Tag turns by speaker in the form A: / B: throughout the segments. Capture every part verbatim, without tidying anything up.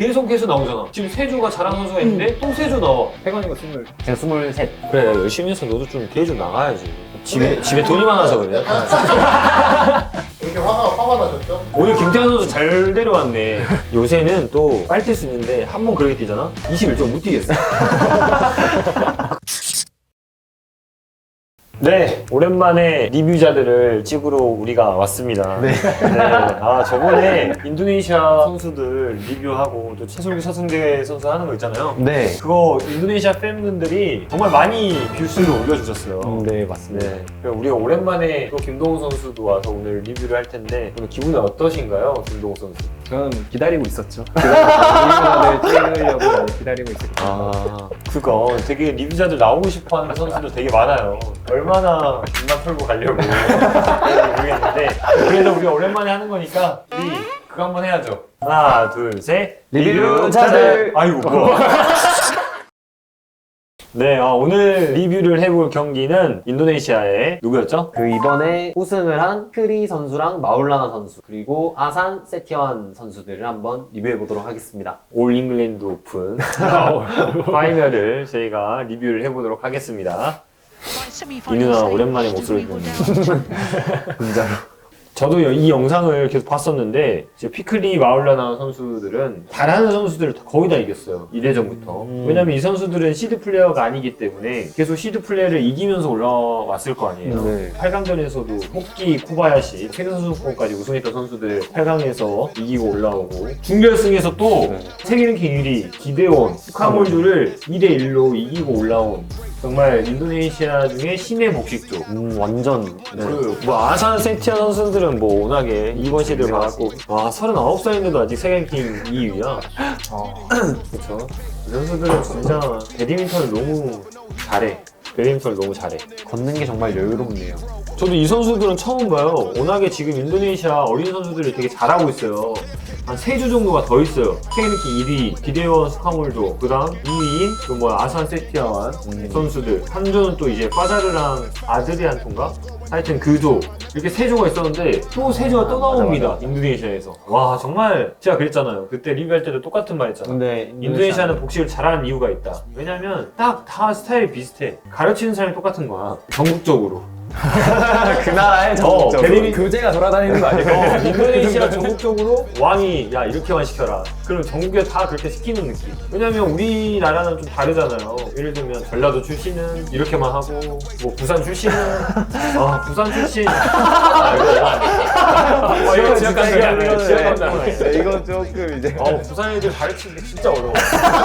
A: 계속해서 나오잖아. 지금 세조가 잘하는 선수가 있는데 또 세조 나와.
B: 태관이가 스물.
C: 제가 스물셋.
A: 그래, 열심히 해서 너도 좀 대회 좀 나가야지. 집에, 집에 돈이 많아서 그래.
D: 이렇게 화가, 화가 나셨죠?
A: 오늘 김태환 선수 잘 데려왔네. 요새는 또 빨뛸 수 있는데 한 번 그렇게 뛰잖아? 이십일 점 못 뛰겠어. 네, 오랜만에 리뷰자들을 찍으러 우리가 왔습니다. 네. 네. 아, 저번에 인도네시아 선수들 리뷰하고 또 최솔규 서승대 선수 하는 거 있잖아요.
C: 네.
A: 그거 인도네시아 팬분들이 정말 많이 뷰수를 올려주셨어요.
C: 음, 네, 맞습니다.
A: 네. 그럼 우리가 오랜만에 또 김동훈 선수도 와서 오늘 리뷰를 할 텐데 오늘 기분이 어떠신가요, 김동훈 선수?
B: 저는 기다리고 있었죠. 리뷰자들 찍으려고 기다리고 있었거든요.
A: 아, 그거 되게 리뷰자들 나오고 싶어하는 선수들 되게 많아요. 얼마나 입만 털고 가려고 모르겠는데 그래도 우리가 오랜만에 하는 거니까 우리 그거 한번 해야죠. 하나, 둘, 셋.
C: 리뷰자들.
A: 아이고 뭐. 네, 아, 오늘 리뷰를 해볼 경기는 인도네시아의 누구였죠?
C: 그 이번에 우승을 한 크리 선수랑 마울라나 선수 그리고 아산 세티완 선수들을 한번 리뷰해 보도록 하겠습니다.
A: 올 잉글랜드 오픈 파이널을 저희가 리뷰를 해보도록 하겠습니다. 이 누나 오랜만에 목소리 듣네요.
C: 진짜로.
A: 저도 이 영상을 계속 봤었는데 이제 피클리 마울라나 선수들은 잘하는 선수들을 거의 다 이겼어요. 일 회전부터.
C: 음.
A: 왜냐면 이 선수들은 시드 플레이어가 아니기 때문에 계속 시드 플레이를 이기면서 올라왔을 거 아니에요.
C: 네.
A: 팔 강전에서도 호키, 코바야시, 세계선수권까지 우승했던 선수들 팔 강에서 이기고 올라오고 준결승에서 또
C: 네.
A: 세계랭킹 일 위 기대원, 스카몰주를 이 대 일로 이기고 올라온 정말 인도네시아 중에 신의 복식조.
C: 음, 완전. 네.
A: 그, 뭐, 아산 세티아 선수들은 뭐, 워낙에 이번 시드를 받았고, 와, 서른아홉 살인데도 아직 세계랭킹 이 위야.
B: 어.
A: 그쵸. 이 선수들은 진짜 배드민턴을 너무 잘해. 배드민턴을 너무 잘해.
C: 걷는 게 정말 여유롭네요.
A: 저도 이 선수들은 처음 봐요. 워낙에 지금 인도네시아 어린 선수들이 되게 잘하고 있어요. 한 세 주 정도가 더 있어요. 세계랭킹 일 위, 기대원 스카몰도, 그 다음 이 위인, 그 뭐야, 아산 세티아완
C: 음.
A: 선수들. 한 조는 또 이제 파자르랑 아드리안토인가? 하여튼 그 조. 이렇게 세 조가 있었는데, 또 세 조가 또 나옵니다.
C: 맞아, 맞아.
A: 인도네시아에서. 와, 정말, 제가 그랬잖아요. 그때 리뷰할 때도 똑같은 말 했잖아.
C: 근데
A: 인도네시아는 복식을 잘하는 이유가 있다. 왜냐면 딱 다 스타일이 비슷해. 가르치는 사람이 똑같은 거야. 전국적으로.
C: 그 나라의
A: 어, 배드민-
B: 교재가 돌아다니는 거 아니에요?
A: 어, 인도네시아 전국적으로 왕이 야 이렇게만 시켜라. 그럼 전국에 다 그렇게 시키는 느낌. 왜냐면 우리나라는 좀 다르잖아요. 예를 들면 전라도 출신은 이렇게만 하고 뭐 부산 출신은 아 부산 출신 아 이거 아, 이거 지역감 소리 안 해. 지역감 소리 안 해.
B: 이거 조금 이제.
A: 어 부산 애들 가르치는 게 진짜 어려워.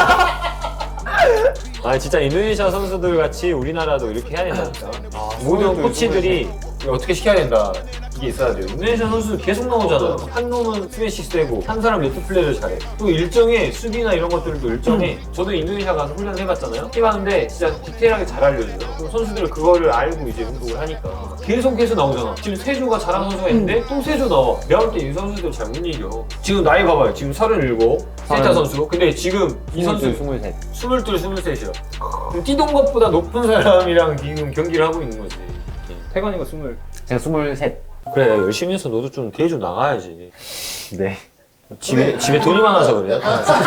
A: 아 진짜 인도네시아 선수들 같이 우리나라도 이렇게 해야 된다니까. 아, 모든 코치들이 어떻게 시켜야 된다. 이게 있어야 돼요. 인도네시아 선수들 계속 나오잖아요. 한 놈은 스매시 세고 한 사람 네트 플레이를 잘해. 또 일정에 수비나 이런 것들도 일정해. 저도 인도네시아 가서 훈련을 해봤잖아요. 해봤는데 진짜 디테일하게 잘 알려줘요. 그럼 선수들은 그거를 알고 이제 운동을 하니까 계속해서 나오잖아. 지금 세조가 잘하는 선수가 있는데 또 세조 나와. 내가 볼 때 이 선수들 잘 못 이겨. 지금 나이 봐봐요. 지금 서른일곱 세타 선수. 근데 지금 이 선수
C: 스물셋.
A: 스물둘, 스물셋이야. 그럼 뛰던 것보다 높은 사람이랑 지금 경기를 하고 있는 거지.
B: 태관이가 스물.
C: 제가 스물셋.
A: 그래, 열심히 해서 너도 좀 대회 좀 나가야지.
C: 네.
A: 집에, 집에 돈이 많아서 그래.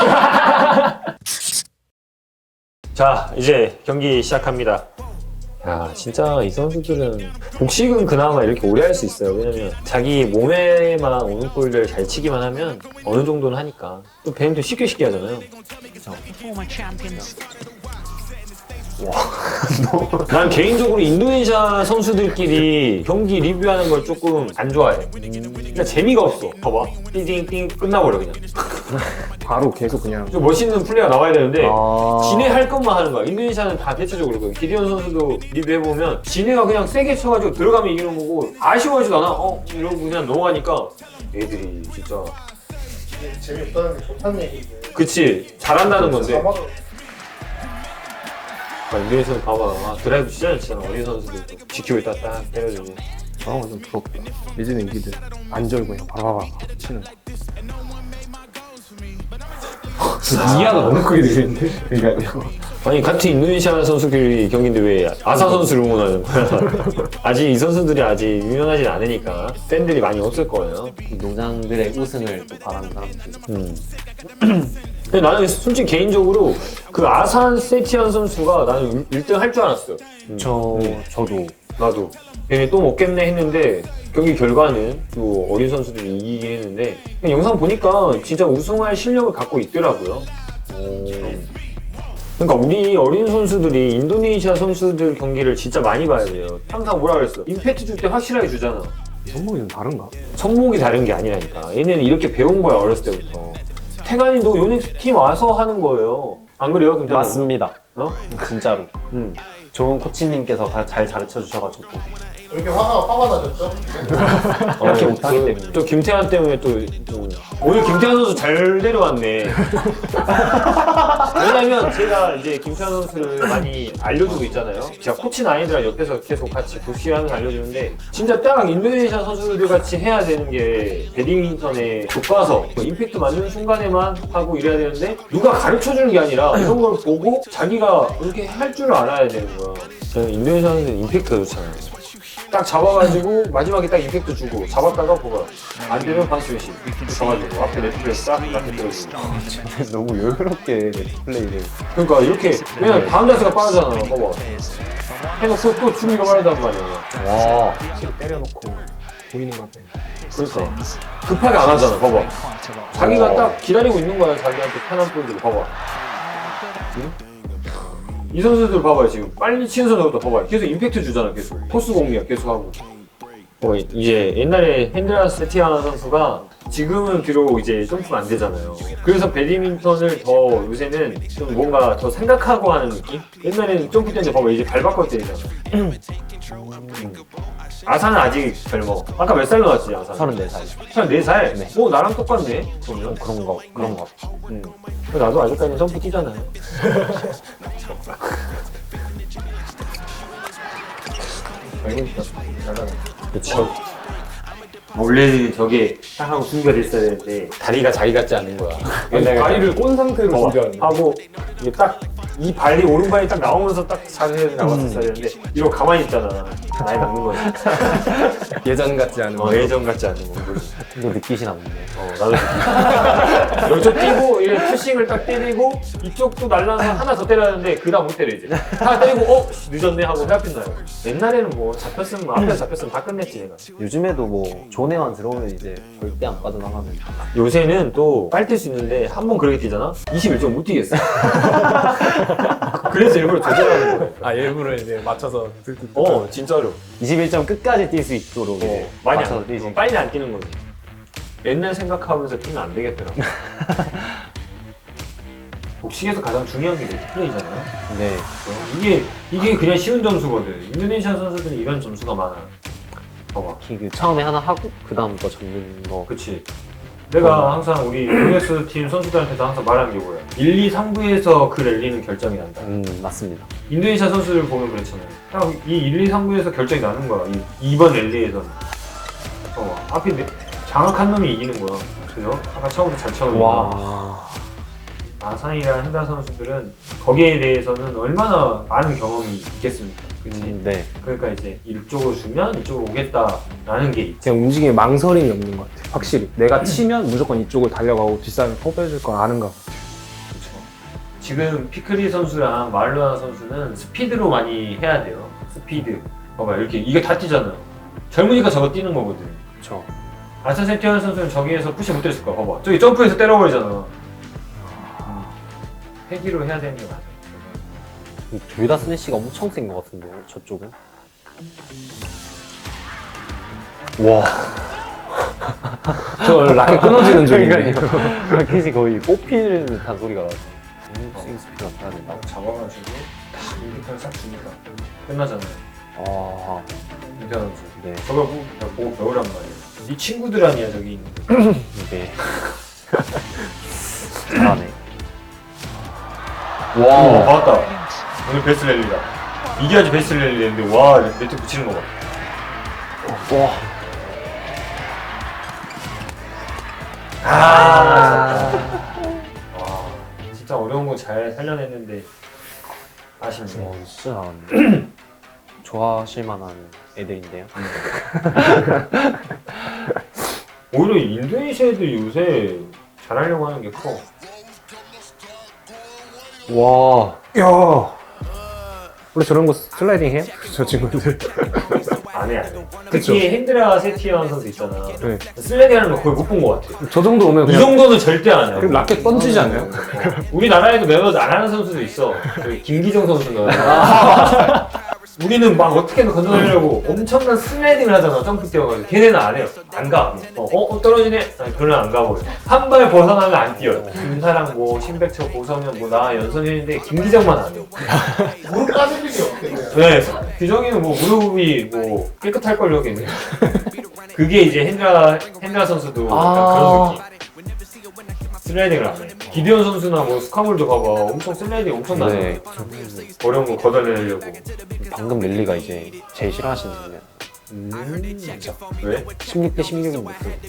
A: 자, 이제 경기 시작합니다. 야, 진짜 이 선수들은 복식은 그나마 이렇게 오래 할 수 있어요. 왜냐면 자기 몸에만 오는 볼을 잘 치기만 하면 어느 정도는 하니까. 또 배드민턴 쉽게 쉽게 하잖아요.
E: former champions.
A: 난 개인적으로 인도네시아 선수들끼리 경기 리뷰하는 걸 조금 안 좋아해. 그러니까 재미가 없어. 봐봐. 띵띵띵 끝나버려 그냥.
B: 바로 계속 그냥.
A: 좀 멋있는 플레이가 나와야 되는데
C: 아.
A: 지네 할 것만 하는 거야. 인도네시아는 다 대체적으로 그래요. 기디언 선수도 리뷰해보면 지네가 그냥 세게 쳐가지고 들어가면 이기는 거고 아쉬워하지도 않아. 어? 이러고 그냥 넘어가니까 애들이 진짜
D: 재미없다는 게 좋다는 얘기지.
A: 그치 잘한다는 건데
D: 사막을
A: 아, 인도네시아는 봐봐. 아, 드라이브 진짜 잘 치잖아. 어린 선수들 지키고 있다 딱 때려주고.
B: 아 완전 부럽다. 예전에 이기들 안 절고 그냥 바바바 치는. 이하가 너무 크게 들리는데. 그러니까요.
A: 아니 같은 인도네시아 선수끼리 경기인데 왜 아사 선수를 응원하는 거야? 아직 이 선수들이 아직 유명하진 않으니까 팬들이 많이 없을 거예요.
C: 이 노장들의 우승을 또 바라는 사람들.
A: 음. 근데 나는 솔직히 개인적으로 그 아산 세티안 선수가 나는 일 등 할 줄 알았어요.
C: 저
A: 음.
C: 저도
A: 나도. 얘네 또 먹겠네 했는데 경기 결과는 또 어린 선수들이 이기긴 했는데 그냥 영상 보니까 진짜 우승할 실력을 갖고 있더라고요. 그러니까 우리 어린 선수들이 인도네시아 선수들 경기를 진짜 많이 봐야 돼요. 항상 뭐라 그랬어? 임팩트 줄 때 확실하게 주잖아.
B: 손목이 좀 다른가?
A: 손목이 다른 게 아니라니까. 얘네는 이렇게 배운 거야 어렸을 때부터. 태관이도 요넥스 팀 와서 하는 거예요. 안 그래요? 김태환?
C: 맞습니다.
A: 어?
C: 진짜로.
A: 응.
C: 좋은 코치님께서 가- 잘 가르쳐 주셔가지고
D: 이렇게 화가 화가 나셨죠?
C: 이렇게
A: 어,
C: 못하기
A: 그,
C: 때문에.
A: 또 김태환 때문에 또, 또 오늘 김태환 선수 잘 데려왔네. 왜냐면 제가 이제 김태환 선수를 많이 알려주고 있잖아요. 제가 코치는 아니더라 옆에서 계속 같이 부시하면서 알려주는데 진짜 딱 인도네시아 선수들 같이 해야 되는 게 배드민턴의 교과서 뭐 임팩트 맞는 순간에만 하고 이래야 되는데 누가 가르쳐 주는 게 아니라 이런 걸 보고 자기가 이렇게 할 줄 알아야 되는 거야. 저는 인도네시아 선수는 임팩트가 좋잖아요. 딱 잡아가지고 마지막에 딱 임팩트 주고 잡았다가 보가 안 되면 반스웨시 잡아주고 앞에 네트플레스 싹 앞에 들어주고.
C: 너무 여유롭게 플레이를.
A: 그러니까 이렇게 왜냐면 다음 자세가 빠르잖아. 봐봐. 해놓고 또 준비가 빠르단 말이야.
C: 와.
B: 때려놓고 보이는 것 같아.
A: 그러니까 급하게 안 하잖아. 봐봐. 자기가 딱 기다리고 있는 거야. 자기한테 편한 볼들을 봐봐. 응? 이 선수들 봐봐요. 지금 빨리 치는 선수부터 봐봐요. 계속 임팩트 주잖아. 계속 토스 공략 계속 하고. 어, 이제 옛날에 핸드라스 세티아나 선수가 지금은 비록 이제 점프가 안 되잖아요. 그래서 배드민턴을 더 요새는 좀 뭔가 더 생각하고 하는 느낌? 옛날에는 점프 때인데 봐봐 이제 발 바꿔 때리잖아. 음. 아산은 아직 젊어. 아까 몇 살 나왔지 아산?
C: 서른네 살.
A: 서른네 살?
C: 네.
A: 오 나랑 똑같네. 그러면.
C: 그런 거 그런 거.
A: 음. 나도 아직까지는 점프 뛰잖아요. 알고 있어. 잘하네. 그쵸. 원래 저게 딱 하고 준비가 됐어야 되는데 다리가 자기 같지 않은 거야.
B: 다리를 꼰 상태로
A: 어,
B: 준비하는 거.
A: 하고 이게 딱 이 발이 오른발이 딱 나오면서 딱 자세를 나왔었어야 되는데 이러고 가만히 있잖아. 나이 남는 거지.
B: 예전 같지 않은
A: 어, 예전 같지 않은 거.
C: 이거 느끼시나 보네.
A: 어, 나도 여기서 뛰고 이렇게 푸싱을 딱 때리고 이쪽도 날라서 하나 더 때려야 하는데 그다음 못 때려 이제 하나 때리고 어? 씨, 늦었네 하고 회합했나요? 옛날에는 뭐 잡혔으면 뭐 앞에서 잡혔으면 다 끝냈지 내가.
C: 요즘에도 뭐 존에만 들어오면 이제 절대 안 빠져나가는.
A: 요새는 또 빨리 뛸 수 있는데 한 번 그렇게 뛰잖아? 이십일 점 못 뛰겠어. 그래서 일부러 조절하는 거야.
B: 아 일부러 이제 맞춰서
A: 어 진짜로.
C: 이십일 점 끝까지 뛸 수 있도록 이제
A: 어, 많이
C: 맞춰서
A: 안
C: 뛰지.
A: 어, 빨리 안 뛰는 거지. 옛날 생각하면서 뛰면 안 되겠더라고. 복식에서 가장 중요한 게 네트플레이잖아요.
C: 네.
A: 어, 이게 이게 그냥 쉬운 점수거든. 인도네시아 선수들은 이런 점수가 많아. 봐봐.
C: 그 처음에 하나 하고 그 다음 거 잡는 거.
A: 그치. 내가 항상 우리 유에스 팀 선수들한테도 항상 말하는 게 뭐야. 일, 이, 삼 부에서 그 랠리는 결정이 난다.
C: 음 맞습니다.
A: 인도네시아 선수들 보면 그렇잖아요. 딱 이 일, 이, 삼 부에서 결정이 나는 거야. 이 이 번 랠리에서는. 어, 앞에 내- 장악한 놈이 이기는 거야. 그죠? 아까 처음부터 잘 쳐놓으니까.
C: 와.
A: 아산이랑 hen다 선수들은 거기에 대해서는 얼마나 많은 경험이 있겠습니까? 그치?
C: 음, 네.
A: 그러니까 이제 이쪽으로 주면 이쪽으로 오겠다라는 게 있지.
B: 그냥 움직임에 망설임이 없는 것 같아. 확실히 내가 치면 무조건 이쪽을 달려가고 뒷사람이 퍼배줄 걸 아는 것 같아.
A: 그렇죠. 지금 피크리 선수랑 마를로나 선수는 스피드로 많이 해야 돼요. 스피드. 봐봐 이렇게 이게 다 뛰잖아요. 젊으니까 저거 뛰는 거거든.
C: 그렇죠.
A: 아산 세티안 선수는 저기에서 푸시 못 때렸을 거야. 봐봐. 저기 점프해서 때려버리잖아. 회기로 해야 되는 게 맞아.
C: 둘 다 스매시가 엄청 센 것 같은데요, 저쪽은? 와.
B: 저 라켓 끊어지는 중인데.
C: 라켓이 거의 뽑히는 듯한 소리가 나죠. 음, 스윙 스피드가 나야 된다.
A: 잡아가지고 딱 임팩트를 싹 주니까 끝나잖아요.
C: 아,
A: 임팩트 선수.
C: 네.
A: 저걸 보고, 보고 배우란 말이야. 네 친구들 아니야 저기 있는 거.
C: 이게. 잘하네.
A: 와, 어, 맞다. 오늘 베스트 랠리다. 이겨야지 베스트 랠리 되는데, 와, 네트 붙이는 거 봐.
C: 와.
A: 아, 와, 진짜 어려운 거 잘 살려냈는데, 아쉽네.
C: 와, 진짜 잘하네. 좋아하실 만한 애들인데요.
A: 오히려 인도네시아 애들이 요새 잘하려고 하는 게 커.
C: 와.
B: 야. 원래 저런 거 슬라이딩 해요? 저 친구들.
A: 안 해, 안 해.
B: 그쵸.
A: 특히 핸드라 세티언 선수 있잖아.
B: 네.
A: 슬라이딩 하는 거 거의 못 본 것 같아.
B: 저 정도 오면
A: 이
B: 그냥
A: 정도는 절대 안 해.
B: 그냥 라켓 던지지 않아요?
A: 우리나라에도 몇몇 안 하는 선수도 있어. 그 김기정 선수가. 우리는 막 어떻게든 건너려고 엄청난 슬라이딩을 하잖아. 점프 뛰어가지고. 걔네는 안 해요. 안 가. 어, 어 떨어지네? 아니, 별로 안 가버려. 한 발 벗어나면 안 뛰어요. 김사랑 뭐, 신백철, 고성현, 뭐, 나, 연선현인데 김기정만 안 해요.
D: 무릎 까질 일이 없겠네요.
A: 네, 규정이는 뭐 무릎이 뭐 깨끗할 걸요, 여기는. 그게 이제 핸드라 핸드라 선수도 약간
C: 아.
A: 그런 느낌. 슬라이딩을 안 해. 기디언 선수나 뭐 스카물도 봐봐, 엄청 슬라이딩 엄청 나네.
C: 네.
A: 어려운 거 걷어내려고.
C: 방금 릴리가 이제 제일 싫어하시는 분이야.
A: 음, 진짜. 왜?
C: 십육 대 십육인데.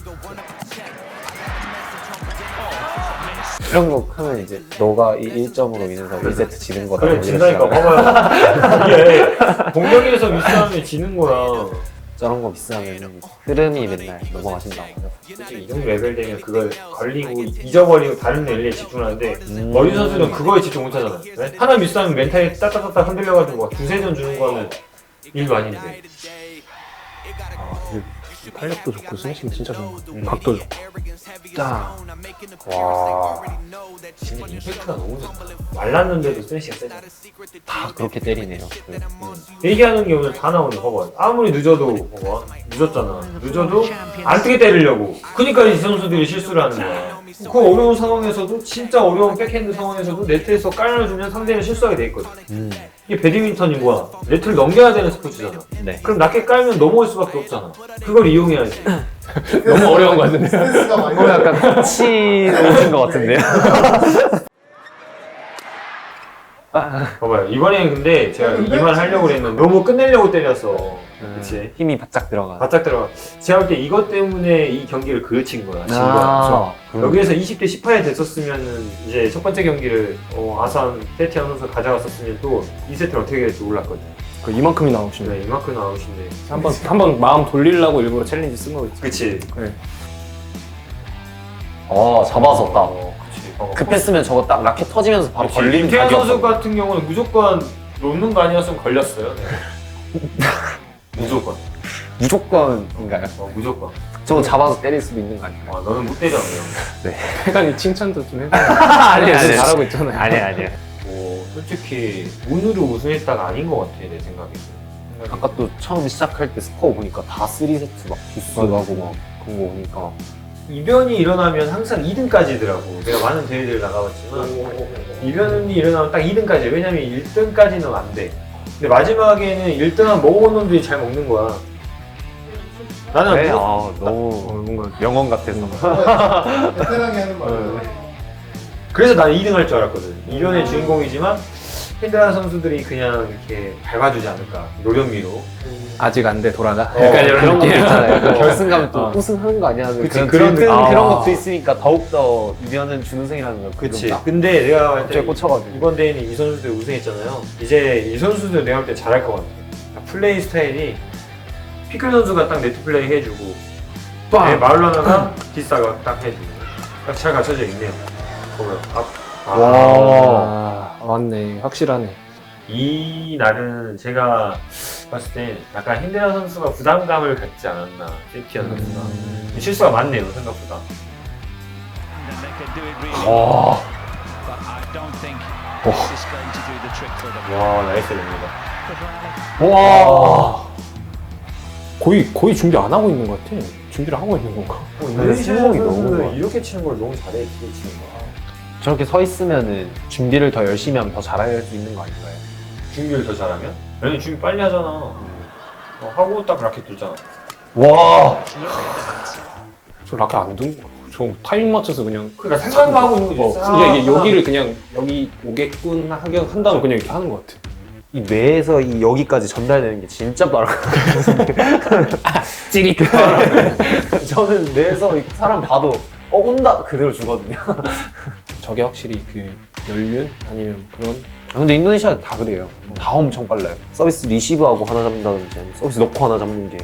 C: 이런 거 하면 이제 너가 이 일 점으로 인해서 일 세트 지는 거다.
A: 그래,
C: 뭐
A: 진다니까.
C: 이러시잖아요.
A: 봐봐요. 이게 공격에서 미스하면 지는 거야.
C: 저런 거 비싸면 흐름이 맨날 넘어가신다고 하죠.
A: 솔직히 이 정도 레벨 되면 그걸 걸리고 잊어버리고 다른 랠리에 집중하는데
C: 음.
A: 어린 선수는 그거에 집중 못하잖아. 네? 하나 미스하면 멘탈이 따따따따 흔들려가지고 막 두세 전 주는 거는 일도 아닌데.
B: 탄력도 좋고 스매싱 진짜 좋은 것 같아요. 각도 좋고.
C: 짜.
A: 와, 진짜 임팩트가 너무 좋다. 말랐는데도 스매시가 세잖아.
C: 다 그렇게 때리네요. 그,
A: 얘기하는 게 오늘 다 나오네. 봐봐. 아무리 늦어도 봐봐. 늦었잖아. 늦어도 안 뜨게 때리려고. 그러니까 이 선수들이 실수를 하는 거야. 그 어려운 상황에서도 진짜 어려운 백핸드 상황에서도 네트에서 깔아주면 상대는 실수하게 돼 있거든.
C: 음.
A: 이게 배드민턴이 뭐야? 네트를 넘겨야 되는 스포츠잖아.
C: 네.
A: 그럼 낮게 깔면 넘어올 수밖에 없잖아. 그걸 이용해야지.
B: 너무 어려운 거 같은데요?
D: 스트레스가 많이
C: 어, 약간 같이 오신 것 같은데요?
A: 봐봐요. 이번에는 근데 제가 이만 하려고 그랬는데 너무 끝내려고 때렸어. 그치?
C: 힘이 바짝 들어가.
A: 바짝 들어가. 제가 볼 때 이것 때문에 이 경기를 그르친 거야. 진 거야.
C: 아, 그럼.
A: 여기에서 이십 대 십팔이 됐었으면은 이제 첫 번째 경기를 어, 아산 세티안 선수 가져갔었으면 또 이 세트를 어떻게 될지 몰랐거든.
B: 그 이만큼이 나오시네.
A: 네, 이만큼 나오신데.
B: 한번 한번 마음 돌리려고 일부러 챌린지 쓴 거겠지.
A: 그치?
B: 네.
C: 어, 잡아서 딱.
A: 어, 그치. 어.
C: 급했으면 저거 딱 라켓 터지면서 바로
A: 그치.
C: 걸리는
A: 김태현 선수
C: 각이었거든요.
A: 같은 경우는 무조건 놓는 거 아니었으면 걸렸어요. 네. 무조건.
C: 무조건인가요?
A: 어, 무조건.
C: 저거 잡아서 때릴 수도 있는 거 아닌가요?
A: 아, 너는 못 때려. 그냥.
B: 회관이 칭찬도 좀 해줘.
C: 아니, 아니,
B: 잘하고 있잖아요.
C: 아니, 아니.
A: 뭐 솔직히 운으로 우승했다가 아닌 것 같아 내 생각에.
C: 아까 또 처음 시작할 때 스코어 보니까 다 쓰리 세트 막 부스하고 막 그런 거 오니까.
A: 이변이 일어나면 항상 이 등까지더라고. 내가 많은 대회들 나가봤지만 이변이 일어나면 딱 이 등까지. 왜냐면 일 등까지는 안 돼. 근데 마지막에는 일 등한 먹어본 놈들이 잘 먹는 거야. 나는
C: 네,
A: 뭐-
C: 아, 너무 뭔가 명언 같아서.
D: 베테랑이 하는 말이에요.
A: 그래서 나는 이 등 할 줄 알았거든. 이변의 주인공이지만 핸드라 선수들이 그냥 이렇게 밟아주지 않을까. 노련미로.
B: 아직 안 돼 돌아가.
A: 어,
B: 약간 이런
C: 그런 것도
B: 느낌.
C: 있잖아요. 약간 결승가면 또
A: 어.
C: 우승하는 거 아니야?
A: 그치,
C: 그런
A: 그런
C: 들뜬
A: 아.
C: 그런 것도 있으니까 더욱더 이변은 준우승이라는 걸
A: 그치.
C: 딱
A: 근데 내가 볼 때
C: 갑자기 꽂혀가지고.
A: 이번 대회는 이 선수들 우승했잖아요. 이제 이 선수들 내가 볼 때 잘할 것 같아. 플레이 스타일이 피클 선수가 딱 네트 플레이 해주고 네, 마울라나가 디스타가 딱 해주고 딱 잘 갖춰져 있네요. 보면 앞. 아,
B: 와, 아, 맞네. 확실하네.
A: 이 날은 제가 봤을 때 약간 힌데라 선수가 부담감을 갖지 않았나. 세티언 선수가 실수가 많네요 생각보다.
E: And they can do it really
C: 와.
E: but I don't think this is going to do the trick for them.
A: 와 나이스 됩니다.
C: 와.
B: 거의 거의 준비 안 하고 있는 것 같아. 준비를 하고 있는 건가?
A: 인도네시아
C: 승복이 너무
A: 선수는
C: 좋아.
A: 이렇게 치는 걸 너무 잘해. 이렇게 치는 거.
C: 저렇게 서 있으면은 준비를 더 열심히 하면 더 잘할 수 있는 거 아닌가요?
A: 준비를 더 잘하면? 아니 준비 빨리 하잖아. 어, 하고 딱 라켓 들잖아.
C: 와.
B: 저 라켓 안 둔 거. 저 타이밍 맞춰서 그냥.
A: 그러니까 생각만 하고 있는 거지.
B: 어, 이게, 이게 여기를 그냥 여기 오게끔 하게 한 다음에 그냥 이렇게 하는 것 같아.
C: 이 뇌에서 이 여기까지 전달되는 게 진짜 빠르거든요. 찌릿. 저는 뇌에서 이 사람 봐도 어 온다 그대로 주거든요.
B: 저게 확실히 그 연륜 아니면 그런.
C: 아, 근데 인도네시아 다 그래요. 다 엄청 빨라요. 서비스 리시브하고 하나 잡는다든지 아니면 서비스 넣고 하나 잡는 게.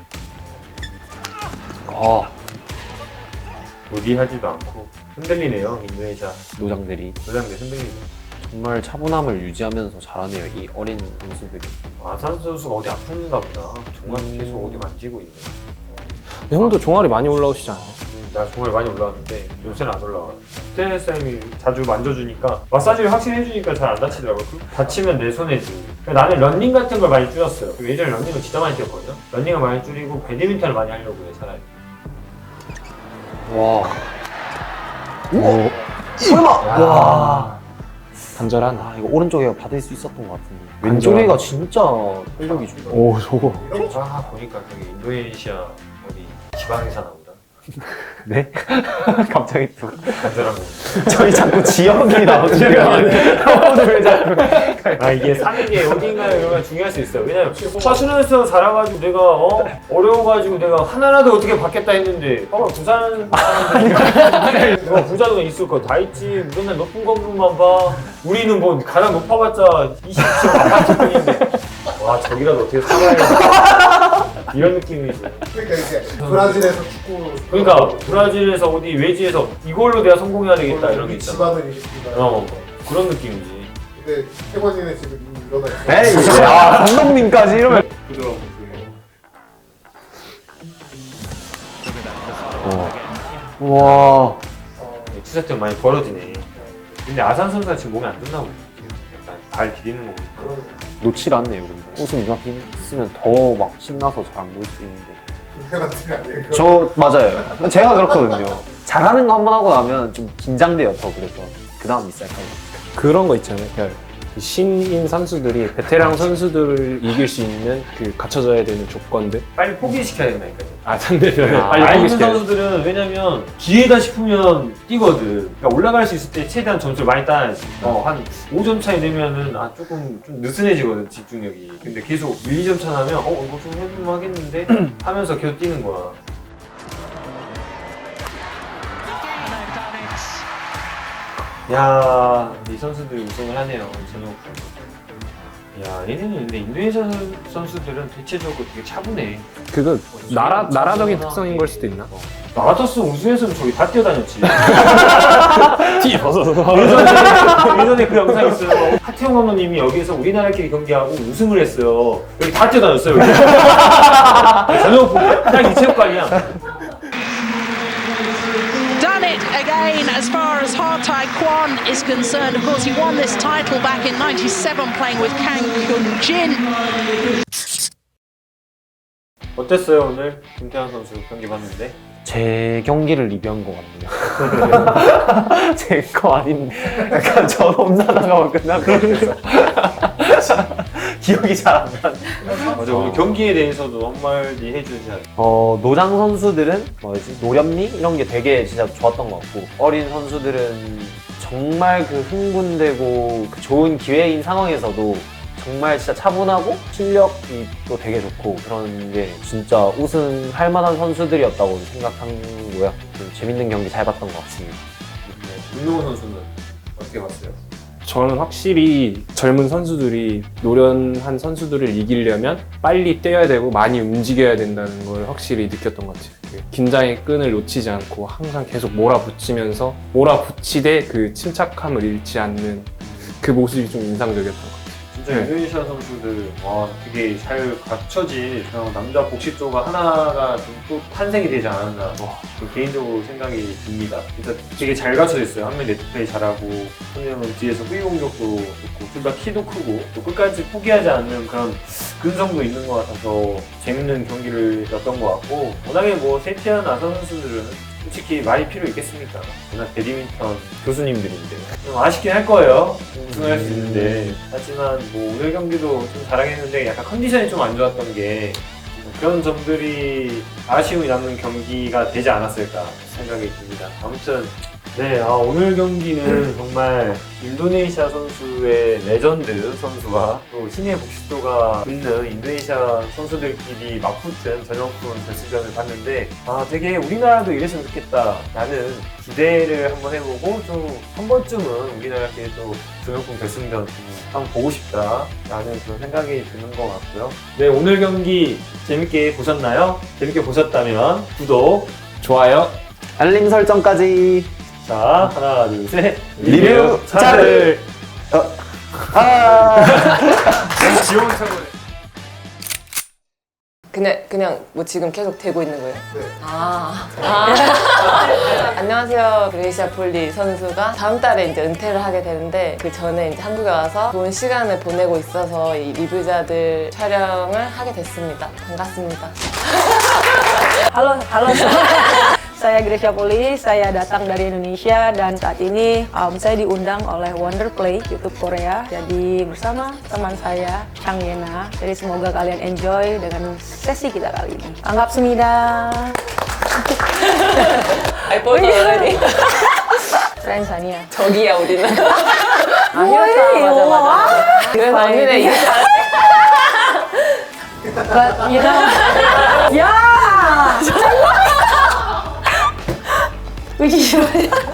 C: 아,
A: 무리하지도 않고 흔들리네요 인도네시아
C: 노장들이.
A: 노장들 흔들리네.
C: 정말 차분함을 유지하면서 잘하네요, 이 어린 선수들이.
A: 아산 선수가 어디 아픈가 보다. 정말 계속 어디 만지고 있네.
B: 형도 종아리 많이 올라오시지 않아요?
A: 음, 나 정말 많이 올라왔는데 요새는 안 올라와. 스테이스 쌤이 자주 만져주니까 마사지를 확실히 해주니까 잘 안 다치더라고. 그 다치면 내 손해지. 그러니까 나는 런닝 같은 걸 많이 줄였어요. 예전에 런닝을 진짜 많이 뛰었거든요. 런닝을 많이 줄이고 배드민턴을 많이 하려고 해 차라리.
C: 와.
B: 오,
C: 설마! 와.
B: 간절한.
C: 아, 이거 오른쪽에 받을 수 있었던 것 같은데.
B: 간절한.
C: 왼쪽에가 진짜 활력이 좋다.
B: 오, 저거.
A: 아 보니까 저기 인도네시아 어디 지방에 사나 보다.
C: 네? 갑자기 또.
A: 간절한 거.
C: 저희 자꾸 지역이 나오시면 오늘 자꾸.
A: 아 이게 사는 게 어딘가에 중요할 수 있어요. 왜냐면 화순에서 자라가지고 내가 어 어려워가지고 내가 하나라도 어떻게 받겠다 했는데 봐봐 부산 사람들 내가 부자도 있을 거 다 있지. 맨날 높은 건물만 봐. 우리는 뭐 가장 높아봤자 이십 층 아파트뿐인데 와 저기라도 어떻게 살아야 이런 느낌이지.
D: 그러니까 이제 브라질에서 축구
A: 그러니까 브라질에서 어디 외지에서 이걸로 내가 성공해야 되겠다 이런 게
D: 우리
A: 있잖아.
D: 집안을 일으킨다.
A: 어 그런 느낌이지.
D: 근데 태권이네 지금 이미 일어나 있어.
C: 에이, 야, 감독님까지 이러면.
A: 부드러운 모습이에요.
C: 와.
A: 투세트 많이 벌어지네. 근데 아산 선수가 지금 몸에 안 좋나 보네. 약간 발 디디는 거 보니까.
C: 놓질 않네요, 근데. 우승 이만큼 있으면 더 막 신나서 잘 안 보일 수 있는데.
D: 그 같은 거 아니에요?
C: 저, 맞아요. 제가 그렇거든요. 잘하는 거 한 번 하고 나면 좀 긴장돼요, 더. 그래서. 그 다음 미사일까지.
B: 그런 거 있잖아요. 그러니까 신인 선수들이 베테랑 선수들을 이길 수 있는 그 갖춰져야 되는 조건들.
A: 빨리 포기시켜야 된다니까요.
B: 아, 상대편을
A: 아,
B: 빨리
A: 알는
B: 포기시켜야 돼.
A: 선수들은 왜냐면 기회다 싶으면 뛰거든. 그러니까 올라갈 수 있을 때 최대한 점수를 많이 따야지. 어, 한 오 점 차이 내면은 아 조금 좀 느슨해지거든 집중력이. 근데 계속 일, 이 점 차 나면 어 이거 좀 해볼만 하겠는데 하면서 계속 뛰는 거야. 야, 이 선수들이 우승을 하네요. 전용. 야, 얘네는 근데 인도네시아 선- 선수들은 대체적으로 되게 차분해.
B: 그거 나라 나라적인 특성인 걸 수도 있나?
A: 나 같았으면 우승했으면 저기 다 뛰어다녔지.
B: 티 벗어서.
A: 예전에, 예전에 그 영상 있어요. 하태용 감독님이 여기서 우리나라끼리 경기하고 우승을 했어요. 여기 다 뛰어다녔어요. 여기. 전용 딱 이 체육관이야.
F: Done it again as far as Hartai Kwan is concerned. Of course, he won this title back in ninety-seven playing with Kang Kyun-jin.
A: 어땠어요 오늘 김태환 선수 경기 봤는데?
C: 제 경기를 리뷰한 것 같네요. 제 거 아닌데. 약간 저 혼자 나가면 끝난 것 같아서. 기억이 잘 안 나네.
A: 맞아 오늘 경기에 대해서도 한마디 해주지 않았어요?
C: 어, 노장 선수들은 뭐지? 노련미? 이런 게 되게 진짜 좋았던 것 같고, 어린 선수들은 정말 그 흥분되고 그 좋은 기회인 상황에서도 정말 진짜 차분하고 실력이 또 되게 좋고 그런 게 진짜 우승할 만한 선수들이었다고 생각하고요. 좀 재밌는 경기 잘 봤던 것 같습니다.
A: 윤동호 선수는 어떻게 봤어요?
B: 저는 확실히 젊은 선수들이 노련한 선수들을 이기려면 빨리 뛰어야 되고 많이 움직여야 된다는 걸 확실히 느꼈던 것 같아요. 그 긴장의 끈을 놓치지 않고 항상 계속 몰아붙이면서 몰아붙이되 그 침착함을 잃지 않는 그 모습이 좀 인상적이었던 것 같아요.
A: 진짜 인도네시아 선수들 와 되게 잘 갖춰진 그냥 남자 복식 조가 하나가 좀 또 탄생이 되지 않았나 와, 개인적으로 생각이 듭니다. 진짜 되게 잘 갖춰져 있어요. 한 명 네트플레이 잘하고 한 명은 뒤에서 후위 공격도 좋고 둘 다 키도 크고 또 끝까지 포기하지 않는 그런 근성도 있는 것 같아서 재밌는 경기를 였던 것 같고 워낙에 뭐 세티한 아산 선수들은 솔직히 많이 필요 있겠습니까? 워낙 배드민턴 교수님들인데 좀 아쉽긴 할 거예요. 우승할 수 있는데 하지만 뭐 오늘 경기도 좀 잘하겠는데 약간 컨디션이 좀 안 좋았던 게 그런 점들이 아쉬움이 남는 경기가 되지 않았을까 생각이 듭니다. 아무튼 네, 아, 오늘 경기는 정말 인도네시아 선수의 레전드 선수와 또 신의 복식도가 있는 인도네시아 선수들끼리 맞붙은 전형품 결승전을 봤는데 아 되게 우리나라도 이랬으면 좋겠다 라는 기대를 한번 해보고 좀 한 번쯤은 우리나라끼리 또 전형품 결승전 한번 보고 싶다 라는 그런 생각이 드는 것 같고요. 네, 오늘 경기 재밌게 보셨나요? 재밌게 보셨다면 구독,
B: 좋아요.
C: 알림 설정까지.
A: 자, 하나, 둘, 셋.
C: 리뷰 차를.
G: 그냥 그냥 뭐 지금 계속 되고 있는 거예요?
D: 네.
G: 아, 아. 안녕하세요. 그레이시아 폴리 선수가 다음 달에 이제 은퇴를 하게 되는데 그 전에 이제 한국에 와서 좋은 시간을 보내고 있어서 이 리뷰자들 촬영을 하게 됐습니다. 반갑습니다.
H: Halo, halo semua. Saya Gracia Poli, saya datang dari Indonesia dan saat ini um, saya diundang oleh Wonderplay YouTube Korea. Jadi bersama teman saya Chang Yena. Jadi semoga kalian enjoy dengan sesi kita kali ini. 반갑습니다.
G: 알보도 already.
H: Friends Sania.
G: 저기야 우리는. 아,
H: 뭐해,
G: 맞아 맞아 맞아. 그래서
H: 와,
G: 언니네
H: 이거.
G: 이렇게 잘
H: But you know, ya. Which is